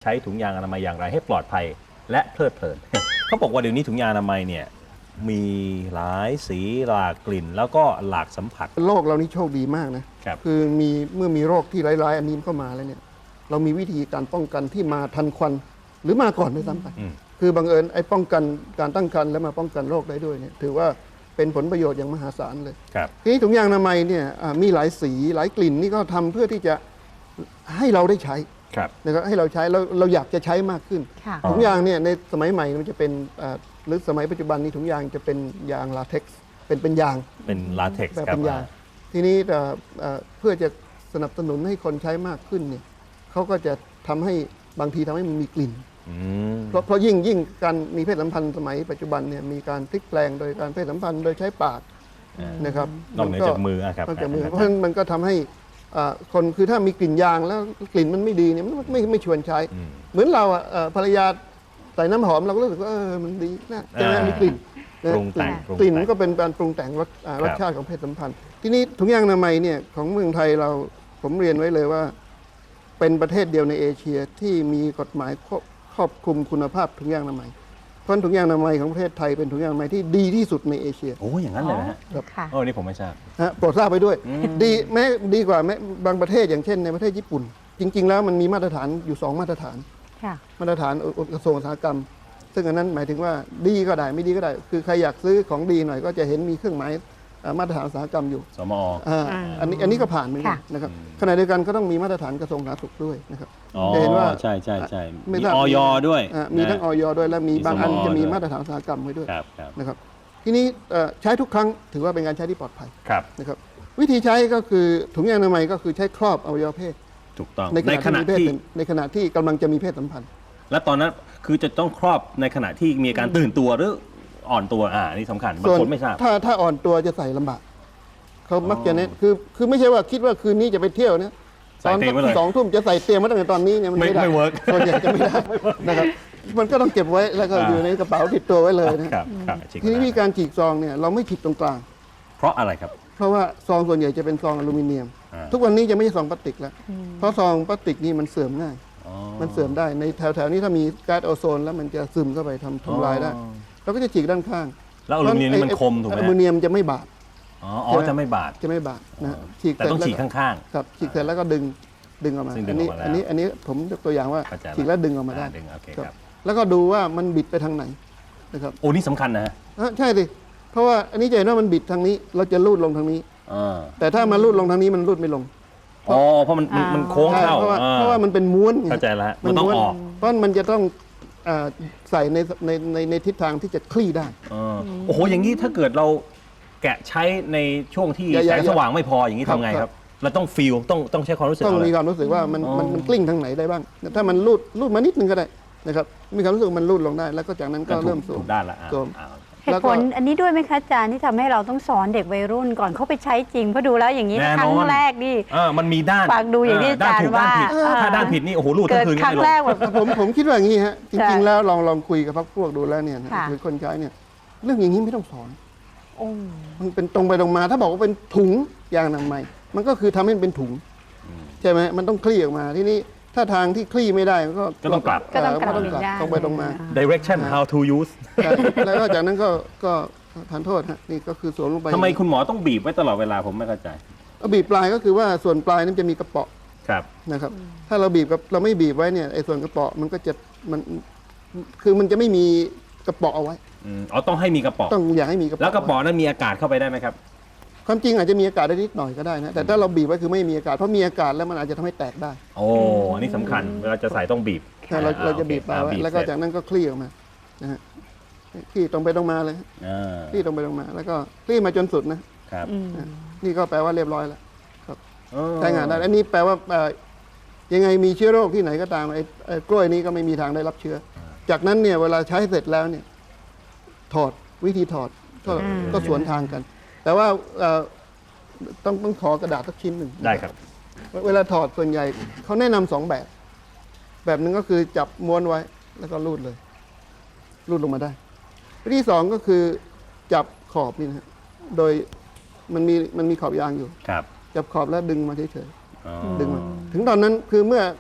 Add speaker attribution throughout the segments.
Speaker 1: ช้ถุงยางอนามัยอย่างไรให้ปลอดภัยและเพลิดเพลิน เขาบอกว่าเดี๋ยวนี้ถุงยางอนามัยเนี่ยมีหลายสีหลากกลิ่น แล้วก็หลากสัมผัส
Speaker 2: โลกเรานี่โชคดีมากนะครับ คือเมื่อมีโรคที่ร้ายๆอันนี้เข้ามาแล้วเนี่ยเรามีวิธีการป้องกันที่มาทันควันหรือมาก่อนด้วยซ้ำไปคือบังเอิญไอ้ป้องกันการตั้งครรภ์แล้วมาป้องกันโรคได้ด้วยเนี่ยถือว่าเป็นผลประโยชน์อย่างมหาศาลเลย
Speaker 1: ครับ
Speaker 2: ทีนี้ถุงยางอนามัยเนี่ยมีหลายสีหลายกลิ่นนี่ก็ทำเพื่อที่จะให้เราได้ใช้
Speaker 1: ครับ
Speaker 2: นะครับให้เราใช้เราอยากจะใช้มากขึ้น
Speaker 3: ค่ะ
Speaker 2: ถุงยางเนี่ยในสมัยใหม่มันจะเป็นหรือสมัยปัจจุบันนี้ถุงยางจะเป็นยางลาเท็กซ์เป็นยาง
Speaker 1: เป็นลาเท็กซ์
Speaker 2: แบบ
Speaker 1: ครับ
Speaker 2: เป็นยางทีนี้เพื่อจะสนับสนุนให้คนใช้มากขึ้นเนี่ยเขาก็จะทำให้บางทีทำให้มันมีกลิ่น
Speaker 1: อืม
Speaker 2: เพราะยิ่งการมีเพศสัมพันธ์สมัยปัจจุบันเนี่ยมีการพลิกแปลงโดยการเพศสัมพันธ์โดยใช้ปากนะครับ
Speaker 1: นอกเหนือจากมือครับ
Speaker 2: นอกจากมือเพราะฉะนั้นมันก็ทำให้คนคือถ้ามีกลิ่นยางแล้วกลิ่นมันไม่ดีเนี่ยมันไม่ชวนใช้ เหมือนเราภรรยาใส่น้ำหอมเราก็รู้สึกว่ามันดีนะใช่ไหมมีกลิ่น
Speaker 1: ปรุงแต่ง
Speaker 2: กลิ่นมันก็เป็นการปรุงแต่งรสชาติของเพศสัมพันธ์ทีนี้ถุงยางอนามัยเนี่ยของเมืองไทยผมเรียนไว้เลยว่า เป็นประเทศเดียวในเอเชียที่มีกฎหมายครอบคลุมคุณภาพถุงยางอนามัยเพราะถุงยางอนามัยของประเทศไทยเป็นถุงยางอนามัยที่ดีที่สุดในเอเชีย
Speaker 1: โอ้อย่างนั้นเลยนะฮะ
Speaker 3: ค่ะ
Speaker 1: โอ้นี่ผมไม่ทราบ
Speaker 2: โปรดทราบไปด้วยดีกว่าแม้บางประเทศอย่างเช่นในประเทศญี่ปุ่น จริง ๆ แล้วมันมีมาตรฐานอยู่ 2 มาตรฐาน
Speaker 3: ค่ะ
Speaker 2: มาตรฐานกระทรวงอุตสาหกรรม ซึ่งอันนั้นหมายถึงว่าดีก็ได้ไม่ดีก็ได้ คือใครอยากซื้อของดีหน่อยก็จะเห็นมีเครื่องหมายมาตรฐานอุตสาหกรรมอยู่
Speaker 1: สมอ
Speaker 2: อันนี้ก็ผ่านเหมือนกัน
Speaker 3: ค่ะ
Speaker 2: นะครับขณะเดียวกันก็ต้องมีมาตรฐานกระทรวงสาธารณสุขด้วยนะครับ
Speaker 1: อ๋อ
Speaker 2: จะเห็นว่า
Speaker 1: ใช่มี
Speaker 2: ไม่ทราบ
Speaker 1: ออยด้วย
Speaker 2: มีทั้งออยด้วยและมี
Speaker 1: มี
Speaker 2: บางอัน
Speaker 1: สม
Speaker 2: จะมี
Speaker 1: ด้วย
Speaker 2: มาตรฐานอุตสาหกรรมไว้ด้วย
Speaker 1: ครับ
Speaker 2: นะครับทีนี้ใช้ทุกครั้งถือว่าเป็นการใช้ที่ปลอดภัย
Speaker 1: ครับ
Speaker 2: นะครับวิธีใช้ก็คือถุงยางอนามัยก็คือใช้ครอบอวัยวะเพศ
Speaker 1: ถูกต้อง
Speaker 2: ใน
Speaker 1: ใน
Speaker 2: ข
Speaker 1: ข
Speaker 2: ณะ
Speaker 1: ณะ
Speaker 2: ที่
Speaker 1: ที่
Speaker 2: ในขณะที่กำลังจะมีเพศสัมพันธ์
Speaker 1: และตอนนั้นคือจะต้องครอบในขณะที่มีอาการตื่นตัวหรืออ่อนตัวนี่สำคัญบางคนไม่ทราบ
Speaker 2: ถ้าอ่อนตัวจะใส่ลำบากเขามักจะเน้นคือไม่ใช่ว่าคิดว่าคืนนี้จะไปเที่ยวนะ
Speaker 1: ใส่เตรียมไว้เลย
Speaker 2: 2 ทุ่มจะใส่เตรียมมาตั้งแต่ตอนนี้เนี่ยมันไม่ได้
Speaker 1: ไม่ work
Speaker 2: ส่วนใหญ่จะไม่ได้นะครับมันก็ต้องเก็บไว้แล้วก็อยู่ในกระเป๋าติดตัวไว้เลยนะครับ
Speaker 1: จริง
Speaker 2: ทีนี้วิธีการฉีกซองเนี่ยเราไม่ฉีกตรงกลาง
Speaker 1: เพราะอะไรครับ
Speaker 2: เพราะว่าซองส่วนใหญ่จะเป็นซองอลูมิเนียม ทุกวันนี้จะไม่ใช่ซองพลาสติกแล้วเพราะซองพลาสติกนี่มันเสื่อมง่าย มันเสื่อมได้ในแถวๆนี้ถ้ามีก๊าซโอโซนแล้วมันจะซึมเข้าไปทำลายได้เราก็จะฉีกด้านข้าง
Speaker 1: แล้วอลูมิเนียมนี่มันคมถูกไหม
Speaker 2: อลูมิเนียมจะไม่บาด
Speaker 1: อ๋อจะไม่บาด
Speaker 2: จะไม่บาดนะฉีก
Speaker 1: แต่ต้องฉีกข้าง
Speaker 2: ครับฉีกเสร็จแล้วก็ดึงออกมา
Speaker 1: ซึ่งดึ
Speaker 2: อั
Speaker 1: ง
Speaker 2: นนี้
Speaker 1: ออกมาแล้ว
Speaker 2: อันนี้ผมยกตัวอย่างว่า
Speaker 1: เข้าใจแล้ว
Speaker 2: ฉีกแล้วดึงออกมาได้
Speaker 1: ดึงโอเค
Speaker 2: ครับ
Speaker 1: ครับ
Speaker 2: แล้วก็ดูว่ามันบิดไปทางไหนนะครับ
Speaker 1: โอ้นี่สำคัญนะฮะ
Speaker 2: ใช่ดิเพราะว่าอันนี้จะเห็นว่ามันบิดทางนี้ เราจะลูดลงทางนี้
Speaker 1: อ่า
Speaker 2: แต่ถ้ามันลูดลงทางนี้มันลูดไม่ลง
Speaker 1: อ๋อเพราะมันโค้ง
Speaker 2: ใช่
Speaker 1: เข้า
Speaker 2: เพราะว่ามันเป็นม้วนไง
Speaker 1: เข้าใจแล้วฮะมันต้อง
Speaker 2: ม้วน
Speaker 1: ออก
Speaker 2: เพราะมันจะต้องใส่ในทิศทางที่จะคลี่ได้
Speaker 1: โอ้โหอย่างนี้ถ้าเกิดเราแกะใช้ในช่วงที่
Speaker 2: อย่า
Speaker 1: แสงสว่างไม่พออย่างนี้
Speaker 2: ครับ
Speaker 1: ทำไงค
Speaker 2: ครั
Speaker 1: รับ บ เราต้องฟีลต้องใช้ความรู้สึก
Speaker 2: ต้อง
Speaker 1: เอา
Speaker 2: มี
Speaker 1: เลย
Speaker 2: ความรู้สึกว่ามัน
Speaker 1: อ๋อ
Speaker 2: มันกลิ้งทางไหนได้บ้าง ถ้ามันลูดมานิดนึงก็ได้นะครับมีความรู้สึกมันลูดลงได้ แล้วก็จากนั้นก็เริ่มสว
Speaker 1: ถู
Speaker 2: ม
Speaker 1: กด้านละ
Speaker 2: สวม
Speaker 3: เหตุผลอันนี้ด้วยไหมคะอาจารย์ที่ทำให้เราต้องสอนเด็กวัยรุ่นก่อนเขาไปใช้จริงเพราะดูแล้วอย่างนี้
Speaker 1: แน่นอน
Speaker 3: ครั้งแรกนี่
Speaker 1: มันมีด้าน
Speaker 3: ฟังดูอย่างที่อาจารย์
Speaker 1: ด้นถูกด้นผิด
Speaker 3: ว่า
Speaker 1: ถ้าด้านผิดนี่โอ้โหรูดทั้
Speaker 3: เกิ
Speaker 1: ง
Speaker 3: ด
Speaker 1: คืน
Speaker 3: ครั้ง
Speaker 1: ไม่ลง
Speaker 3: แรกแบบ
Speaker 2: ผมคิดว่าอย่างนี้ฮะจ
Speaker 3: ใช่
Speaker 2: ริงๆแล้วลองคุยกับพรรคพวกดูแล้วเนี่ยนะ
Speaker 3: ค่ะ
Speaker 2: หรือคนใช้เนี่ยเรื่องอย่างนี้ไม่ต้องสอน
Speaker 3: โอ้
Speaker 2: มันเป็นตรงไปตรงมา ถ้าบอกว่าเป็นถุงยางอนามัยมันก็คือทำให้มันเป็นถุงใช่ไหมมันต้องคลี่ออกมาที่นี่ถ้าทางที่คลี่ไม่ได้ก็
Speaker 1: ก็ต้องกลับ
Speaker 3: ก็ต้องกลับ
Speaker 2: ต
Speaker 3: อีกด้าน
Speaker 2: รงไปตรงมา
Speaker 1: direction how to use
Speaker 2: ใช่แล้วก็จากนั้นก็ทานโทษฮะนี่ก็คือสวมลงไป
Speaker 1: ทำไมคุณหมอต้องบีบไว้ตลอดเวลาผมไม่เข้าใจ
Speaker 2: บีบปลายก็คือว่าส่วนปลายนั้นจะมีกระเปาะ
Speaker 1: ครับ
Speaker 2: นะครับถ้าเราบีบกับเราไม่บีบไว้เนี่ยไอ้ส่วนกระเปาะมันก็จะมันคือมันจะไม่มีกระเปาะเอาไว้
Speaker 1: ต้องให้มีกระป๋อง
Speaker 2: ต้องอยากให้มีกระเปาะ
Speaker 1: แล้วกระป๋องนั้นมีอากาศเข้าไปได้ไหมครับ
Speaker 2: ความจริงอาจจะมีอากาศได้นิดหน่อยก็ได้นะแต่ถ้าเราบีบไว้คือไม่มีอากาศเพราะมีอากาศแล้วมันอาจจะทำให้แตกได้
Speaker 1: โอ้อันนี้สำคัญเวลาจะใส่ต้องบีบ
Speaker 2: ถ้าเราจะบีบปลายไว้
Speaker 1: บีบ
Speaker 2: แล้วก็
Speaker 1: เสร็จ
Speaker 2: จากนั้นก็คลี่ออกมานะฮะคลี่ตรงไปตรงมาเลยฮะ
Speaker 1: อ่า
Speaker 2: คลี่ตรงไปตรงมา แล้วก็คลี่มาจนสุดนะครับ นี่ก็แปลว่าเรียบร้อยแล้วใช้งานได้อันนี้แปลว่ายังไงมีเชื้อโรคที่ไหนก็ตามไอ้กล้วยนี้ก็ไม่มีทางได้รับเชื้อ จากนั้นเนี่ยเวลาใช้เสร็จแล้วเนี่ยถอดวิธีถอดก็สวนทางกัน แต่ว่าต้องขอกระดาษสักชิ้นหนึ่ง
Speaker 1: ได้ครับ
Speaker 2: เวลาถอดส่วนใหญ่เขาแนะนำ2 แบบหนึ่งก็คือจับม้วนไว้แล้วก็รูดเลย รูดลงมาได้วิธี2ก็คือจับขอบนี่นะฮะโดยมันมีขอบยางอยู่
Speaker 1: ครับ
Speaker 2: จับขอบแล้วดึงมาเฉย
Speaker 1: อ๋อ
Speaker 2: ๆดึงมาถึงตอนนั้นคือเมื่อ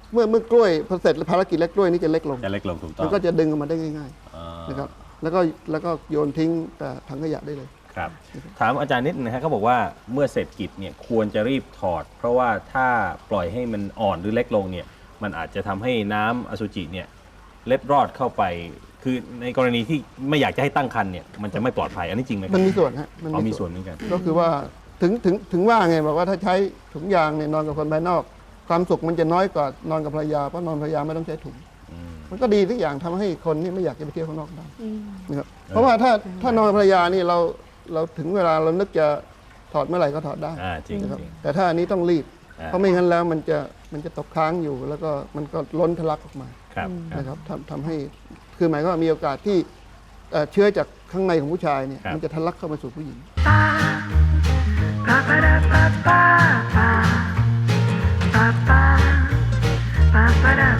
Speaker 2: เมื่อกล้วยพอเสร็จภารกิจแล้วกล้วยนี่จะเล็กลง
Speaker 1: จะเล็กลงถูกต้อ
Speaker 2: มั
Speaker 1: ง
Speaker 2: นก็จะดึงออกมาได้ง่าย
Speaker 1: อ่า
Speaker 2: ๆนะครับแล้วก็โยนทิ้งแต่ถังขยะได้เลย
Speaker 1: ครับถามอาจารย์นิดนะฮะเขาบอกว่าเมื่อเสร็จกิจเนี่ยควรจะรีบถอด เพราะว่าถ้าปล่อยให้มันอ่อนหรือเล็กลงเนี่ยมันอาจจะทำให้น้ำอสุจิเนี่ยเล็ดรอดเข้าไป คือในกรณีที่ไม่อยากจะให้ตั้งครรภ์เนี่ยมันจะไม่ปลอดภัยอันนี้จริงไหมครับ
Speaker 2: มันมีส่วนฮะ
Speaker 1: อ๋อมีส่วนเหมือนกัน
Speaker 2: ก็คือว่าถึงว่าไงบอกว่าถ้าใช้ถุงยางเนี่ยนอนกับคนภายนอก ความสุขมันจะน้อยกว่านอนกับภรรยาเพราะนอนภรรยาไม่ต้องใช้ถุง มันก็ดีทุกอย่างทำให้คนนี่ไม่อยากจะไปเที่ยวข้างนอกได้นะครับเพราะว่าถ้านอนกับภรรยานี่เราถึงเวลาเรานึกจะถอดเมื่อไหร่ก็ถอดได้
Speaker 1: จริง
Speaker 2: นะครับ
Speaker 1: จริง
Speaker 2: แต่ถ้าอันนี้ต้องรีบ
Speaker 1: อ่า
Speaker 2: เพราะไม่งั้นแล้วมันจะตกค้างอยู่ แล้วก็มันก็ล้นทะลักออกมา
Speaker 1: ครับครับ
Speaker 2: นะครับทำให้คือหมายความว่ามีโอกาสที่เชื้อจากข้างในของผู้ชายเนี่ย
Speaker 1: ครับ
Speaker 2: มันจะทะลักเข้ามาสู่ผู้หญิง
Speaker 4: Ba-ba-da-ba-ba-ba. Ba-ba-da.